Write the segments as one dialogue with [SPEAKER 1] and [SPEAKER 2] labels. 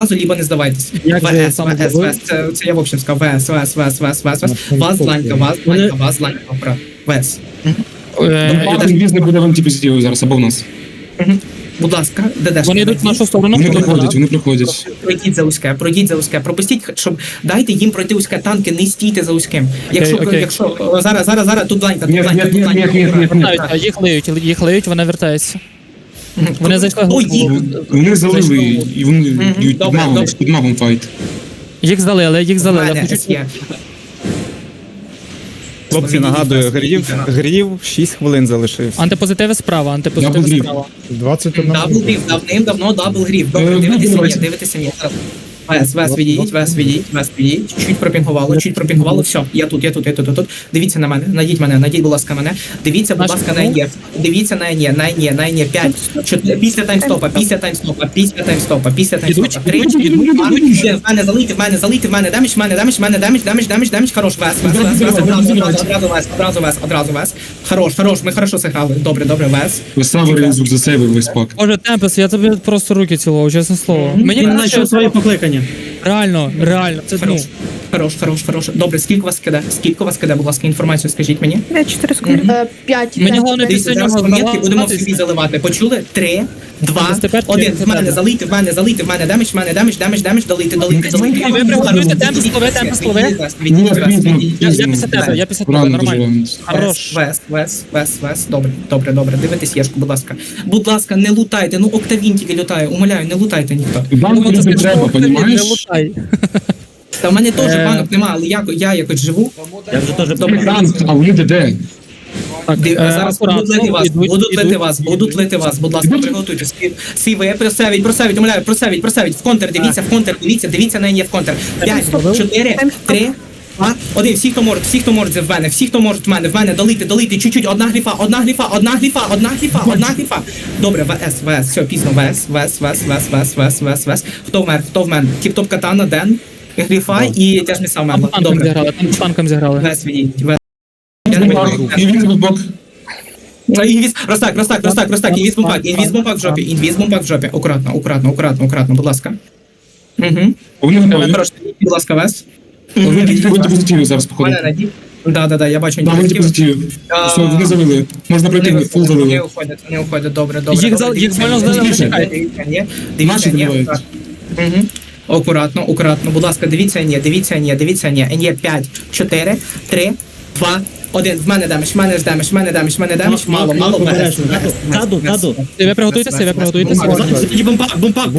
[SPEAKER 1] либо не здавайтесь.
[SPEAKER 2] Як же
[SPEAKER 1] ВС,
[SPEAKER 2] саме
[SPEAKER 1] ВС,
[SPEAKER 2] зробив?
[SPEAKER 1] ВС, це я в общем сказав, ВС, ВС, ВС, ВС, ВС, ВС, вас ланька, вас ланька, про ВС.
[SPEAKER 3] Інвіз не буде в антипозитиві зараз, або в нас.
[SPEAKER 1] Будь ласка, ДДшка.
[SPEAKER 2] Вони йдуть в нашу сторону.
[SPEAKER 3] Вони проходять.
[SPEAKER 1] Пройдіть за узьке, пропустіть, щоб дайте їм пройти узьке танки, не стійте за узьким. Якщо зараз тут ланька, тут ланька.
[SPEAKER 2] Вертаються, їх леють, вони вертаються. Вони зайшли глибоко.
[SPEAKER 3] Вони залили, і вони б'ють під магом файт.
[SPEAKER 2] Їх залили.
[SPEAKER 4] Хлопці, нагадую, грів 6 хвилин залишився.
[SPEAKER 2] Антипозитиви справа, антипозитиви
[SPEAKER 3] Дабл
[SPEAKER 2] справа.
[SPEAKER 4] 21
[SPEAKER 1] Дабл грів, давним-давно дабл грів. Добре, дивитися мені. Вес, відійдіть, чуть пропінгувало, все, я тут. Дивіться на мене, найдіть, будь ласка, мене. Дивіться, будь ласка, на ЕНЄ. Дивіться на ЕНЄ, 5, 4, після таймстопа, 3, 2, 1, в мене залийте, в мене дамage, хорош, одразу вес. Хорош, ми хорошо зіграли, добре, вес.
[SPEAKER 3] Висавери звук за себе весь пак.
[SPEAKER 2] Боже, Темпес, я тобі просто руки цілував, чесне слово. Мені
[SPEAKER 5] Він знайшов свої покликання.
[SPEAKER 2] реально, це
[SPEAKER 1] Хорош. Добре, скільки вас киде, будь ласка, інформацію скажіть мені.
[SPEAKER 6] 4 секунди. 5.
[SPEAKER 2] Мені головне
[SPEAKER 1] Дивіться,
[SPEAKER 2] після
[SPEAKER 1] зараз
[SPEAKER 2] нього
[SPEAKER 1] монетки будемо
[SPEAKER 2] здаватись.
[SPEAKER 1] собі заливати. Почули? 3, 2,
[SPEAKER 2] 95,
[SPEAKER 1] 1. В мене залийте, в мене дамage, долийте.
[SPEAKER 2] Ви приготуйте темп слови. Я після тебе, нормально. Хорош.
[SPEAKER 1] Вес. Добре. Дивитесь Єшку, будь ласка, не лутайте. Ну, Октавін тільки лютає. Умоляю, не лутайте ніхто.
[SPEAKER 3] Банку не треба,
[SPEAKER 2] Не
[SPEAKER 3] понімаєш?
[SPEAKER 2] лутай.
[SPEAKER 1] Та в мене теж банок нема, але я якось живу.
[SPEAKER 5] Я вже теж
[SPEAKER 3] Банк, а вони де?
[SPEAKER 1] Зараз будуть лити вас, будь ласка, приготуйтесь. Сіве, просавіть, умоляю, просавіть, в контр, дивіться на неї в контр. 5, 4, 3, 2, 1, всі, хто може в мене, долити, чуть-чуть, одна гліфа. Добре, ВС, все, пізно, ВС. Хто в мене? Тіп-топ катана, Ден, гліфа і тяжний сам мерла. Добре.
[SPEAKER 2] Танком зіграли.
[SPEAKER 1] ВС відійдіть, Я не бачу.
[SPEAKER 3] І він в бок.
[SPEAKER 1] Ростак, інвіз-бомбак в жопі. Акуратно, будь ласка.
[SPEAKER 3] Вони готові.
[SPEAKER 1] Хорошо, будь ласка, Вес.
[SPEAKER 3] Ви антипозитиві зараз, походу.
[SPEAKER 1] Мене надій. Да, я бачу
[SPEAKER 3] Да, ви антипозитиві. Все, вони завели. Можна пройти, фул завели.
[SPEAKER 1] Не уходять, добре.
[SPEAKER 2] Їх больно здали,
[SPEAKER 3] чекайте. Наші добивають.
[SPEAKER 1] Акуратно, будь ласка, дивіться, ні, 5, 4, 3, 2, 1, в мене дамage, мало, ВС.
[SPEAKER 5] Таду.
[SPEAKER 2] Ви приготуйтеся.
[SPEAKER 5] Бумпак.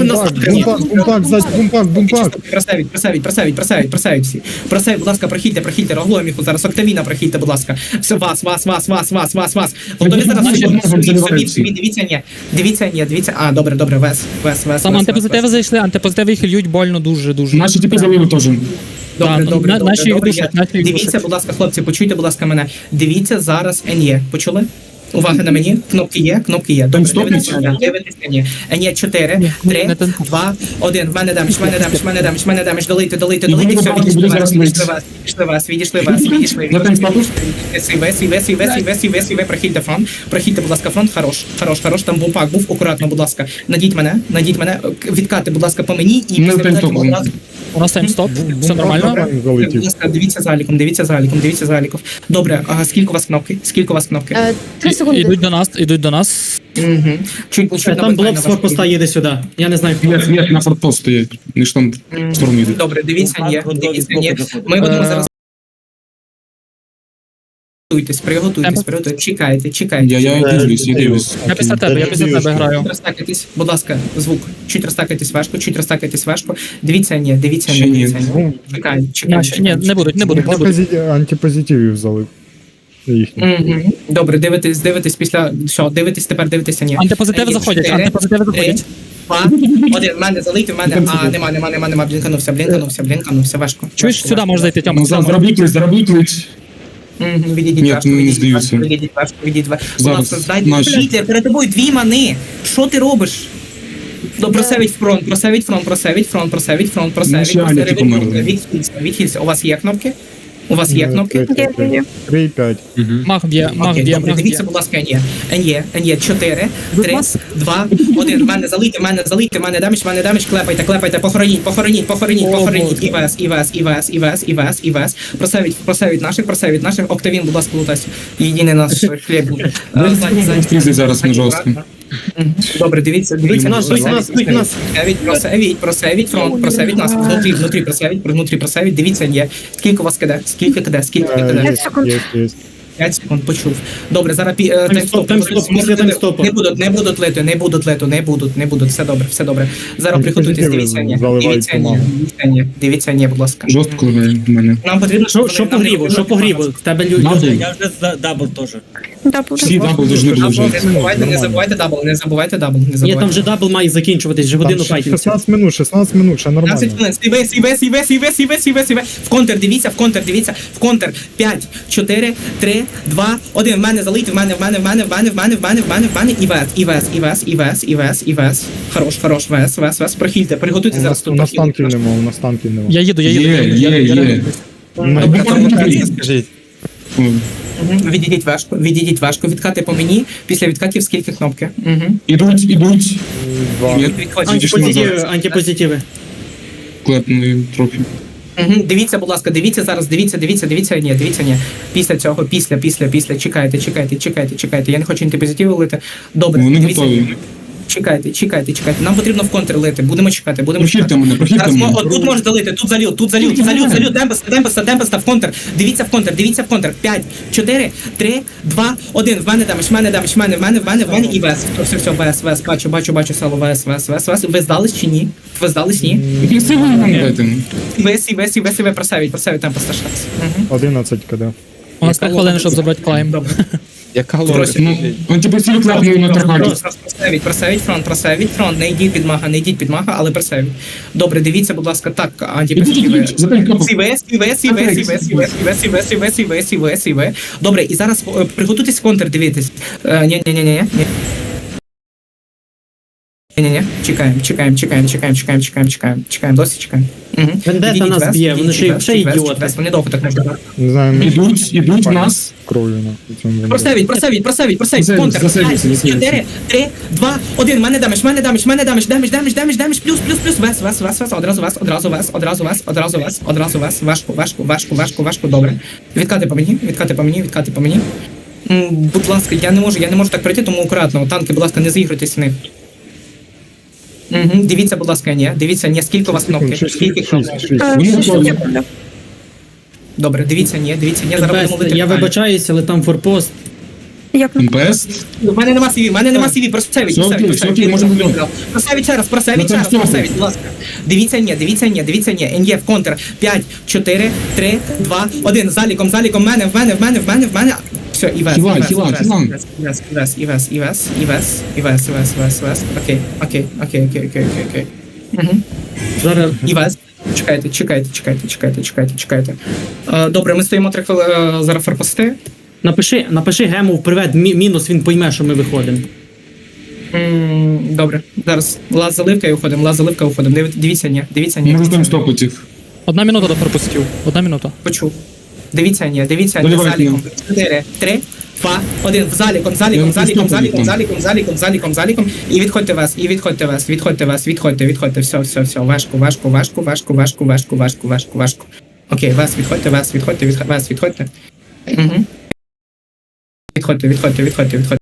[SPEAKER 1] Просавіть всі. Просавіть, будь ласка, прохильте, роглою міху зараз, Октавіна прохильте, будь ласка. Все, вас. Готові зараз дивіться, ні. А, добре, Вес.
[SPEAKER 2] Там антипозитиви зайшли, антипозитиви їх льють больно дуже.
[SPEAKER 3] Наші типи завели теж.
[SPEAKER 1] Добре.
[SPEAKER 2] Наші їх душать.
[SPEAKER 1] Дивіться, будь ласка, хлопці, почуйте, будь ласка, мене. Дивіться зараз НЄ. Почули? Увага на мені. Кнопки є. Добре, дивитися ні. НЄ 4, 3, 2, 1. В мене дамage. Долити. Все, відійшли вас. Сіве, прохильте, будь ласка, фронт. Хорош. Там бумпак був. Акуратно, будь ласка. Надіть мене. Відкати, будь ласка, по мені. І після одразу.
[SPEAKER 2] У нас таймстоп, все нормально.
[SPEAKER 1] Будь ласка, дивіться за аліком. Добре, скільки у вас кнопки?
[SPEAKER 6] 3 секунди.
[SPEAKER 2] Ідуть до нас.
[SPEAKER 1] Чуть
[SPEAKER 5] Там блок з форпоста їде сюди. Я не знаю, хто.
[SPEAKER 3] Є, на фортпост стоять. Вони ж там в сторону йдуть.
[SPEAKER 1] Добре, дивіться, ні. Ми будемо зараз. Приготуйтесь. Чекайте.
[SPEAKER 3] Я дивлюсь.
[SPEAKER 2] Я після тебе граю.
[SPEAKER 1] Розтакайтесь, будь ласка, звук. Чуть розтакайтесь важко. Дивіться, ні. Чекайте.
[SPEAKER 2] Ні, не будуть.
[SPEAKER 4] Антипозитивів залив.
[SPEAKER 1] Добре, дивитесь після... Що, дивитеся, ні.
[SPEAKER 2] Антипозитиви заходять.
[SPEAKER 1] 2, 1, в мене залийте, в мене... Нема, блінканувся, важко.
[SPEAKER 2] Чуєш, сюди можеш зайти, Тьома.
[SPEAKER 3] Заробіть клич.
[SPEAKER 1] Відійдіть
[SPEAKER 3] Ні,
[SPEAKER 1] важко,
[SPEAKER 3] не здаються.
[SPEAKER 1] відійдіть важко. Будь
[SPEAKER 3] Зараз,
[SPEAKER 1] ласка, здайте.
[SPEAKER 3] наші.
[SPEAKER 1] Пітер, перед тобою 2 мани. Що ти робиш? Просавіть фронт.
[SPEAKER 3] Наші аліки померли.
[SPEAKER 1] Відхильця. У вас є кнопки? У вас є кнопки?
[SPEAKER 4] 3 і 5.
[SPEAKER 2] Мах б'є, мах
[SPEAKER 1] Окей,
[SPEAKER 2] б'є,
[SPEAKER 1] добре,
[SPEAKER 2] мах б'є.
[SPEAKER 1] дивіться, будь ласка, НЄ, 4, 3, 2, 1, в мене залийте, в мене даміж, клепайте, похороніть, ІВС, просевіть наших, Октавін, будь ласка, лутайся, єдиний наш хліб.
[SPEAKER 3] Фрізи зараз на жорстко.
[SPEAKER 1] Добре, дивіться,
[SPEAKER 5] нас,
[SPEAKER 1] просевіть фронт, просевіть нас, внутрі просевіть, дивіться, є, скільки у вас киде, скільки киде,
[SPEAKER 4] Є.
[SPEAKER 1] 5 секунд, почув. Добре, зараз
[SPEAKER 5] Таймстоп, після таймстопу.
[SPEAKER 1] не будуть, все добре. Зараз приготуйтесь, дивіться, будь ласка.
[SPEAKER 3] Жорстко в мене.
[SPEAKER 1] Нам потрібно, щоб
[SPEAKER 5] Що по гріву, що по гріву? В тебе
[SPEAKER 3] Дабл.
[SPEAKER 5] Я вже за дабл теж.
[SPEAKER 3] Всі дабл должны були вже.
[SPEAKER 1] Не забувайте дабл.
[SPEAKER 5] Ні, там вже дабл має закінчуватись, вже годину файтимся.
[SPEAKER 4] 16 минут, ще нормально.
[SPEAKER 1] 15 хвилин, сіве. В контр, дивіться. В контр. 5, 4, 3, 2, 1. В мене залийте, в мене. Івес. Хорош, вес. Прохильте, приготуйте зараз тут.
[SPEAKER 4] У нас танків нема.
[SPEAKER 2] Я їду.
[SPEAKER 3] Є.
[SPEAKER 4] Скажіть.
[SPEAKER 1] Відійдіть важко, відкати по мені, після відкатів скільки кнопки.
[SPEAKER 3] Ідуть.
[SPEAKER 4] Два.
[SPEAKER 3] Ні,
[SPEAKER 5] Антипозитиви.
[SPEAKER 3] клепнули трохи.
[SPEAKER 1] Дивіться, будь ласка, дивіться, ні. Після цього, після, чекайте. Я не хочу антипозитиви лити. Добре,
[SPEAKER 3] Вони
[SPEAKER 1] дивіться.
[SPEAKER 3] готові.
[SPEAKER 1] Чекайте. Нам потрібно в контр лити. Будемо чекати.
[SPEAKER 3] Прохильте мене.
[SPEAKER 1] Тут можеш залити, тут залют. Темпеста в контр. Дивіться в контр. 5, 4, 3, 2, 1. В мене дамиш, і вес. Все, бачу, сало, вес. Ви здались чи ні?
[SPEAKER 3] Красиво нам дайте.
[SPEAKER 1] Вес, просавіть темпеста шанс.
[SPEAKER 4] 11 КД.
[SPEAKER 2] У нас 5 хвилин, щоб забрати клайм.
[SPEAKER 1] Добре.
[SPEAKER 4] Яка
[SPEAKER 3] Ну, антипосів клепнули на таргаті.
[SPEAKER 1] Просавіть фронт, не йдіть під мага, але просавіть. Добре, дивіться, будь ласка, так, антипозитиви.
[SPEAKER 3] Ідіть, запаль кнопку.
[SPEAKER 1] Сіве. Добре, і зараз приготуйтесь в контр, дивитись. Ні. Чекаємо, досі чекаємо.
[SPEAKER 5] Вендета нас б'є, вони ще ідіоти.
[SPEAKER 1] Вони довго так можуть.
[SPEAKER 4] Не знаю,
[SPEAKER 3] Ідуть в нас.
[SPEAKER 4] кров'ю на цьому.
[SPEAKER 1] Просавіть, в контр. 5, 4, 3, 2, 1. Мене дамиш, плюс, вес, одразу вес, важко, добре. Відкати по мені. Будь ласка, я не можу так пройти, тому акуратно. Танки, будь ласка, не заігруйтесь в них. Дивіться, будь ласка, ні, скільки у вас кнопки? Скільки кнопок?
[SPEAKER 3] Вони готові.
[SPEAKER 1] Добре, дивіться, ні, зараз будемо лити.
[SPEAKER 5] Я вибачаюся, але там форпост.
[SPEAKER 3] МПС.
[SPEAKER 1] У мене нема CV, просавіть,
[SPEAKER 3] Все окей, можемо льот.
[SPEAKER 1] просавіть ще раз, будь ласка. Дивіться, ні, НЄ в контр. 5, 4, 3, 2, 1. Заліком, в мене. Все, Івес. Окей.
[SPEAKER 5] Зараз
[SPEAKER 1] Івес. Чекайте. Добре, ми стоїмо 3 хвилини, зараз форпости.
[SPEAKER 5] напиши гему в привет мінус, він пойме, що ми виходимо.
[SPEAKER 1] Добре, зараз лаз заливка і уходимо. Дивіться, ні.
[SPEAKER 3] Можу там стопити їх.
[SPEAKER 2] 1 минута до пропустів. 1 минута.
[SPEAKER 1] Почув. Дивіться, ні,
[SPEAKER 3] Заливайте
[SPEAKER 1] заліком. 4, 3, 2, 1. Заліком. І відходьте вас. Все. Важко. Окей, вас відходьте. Відходьте. Відходьте.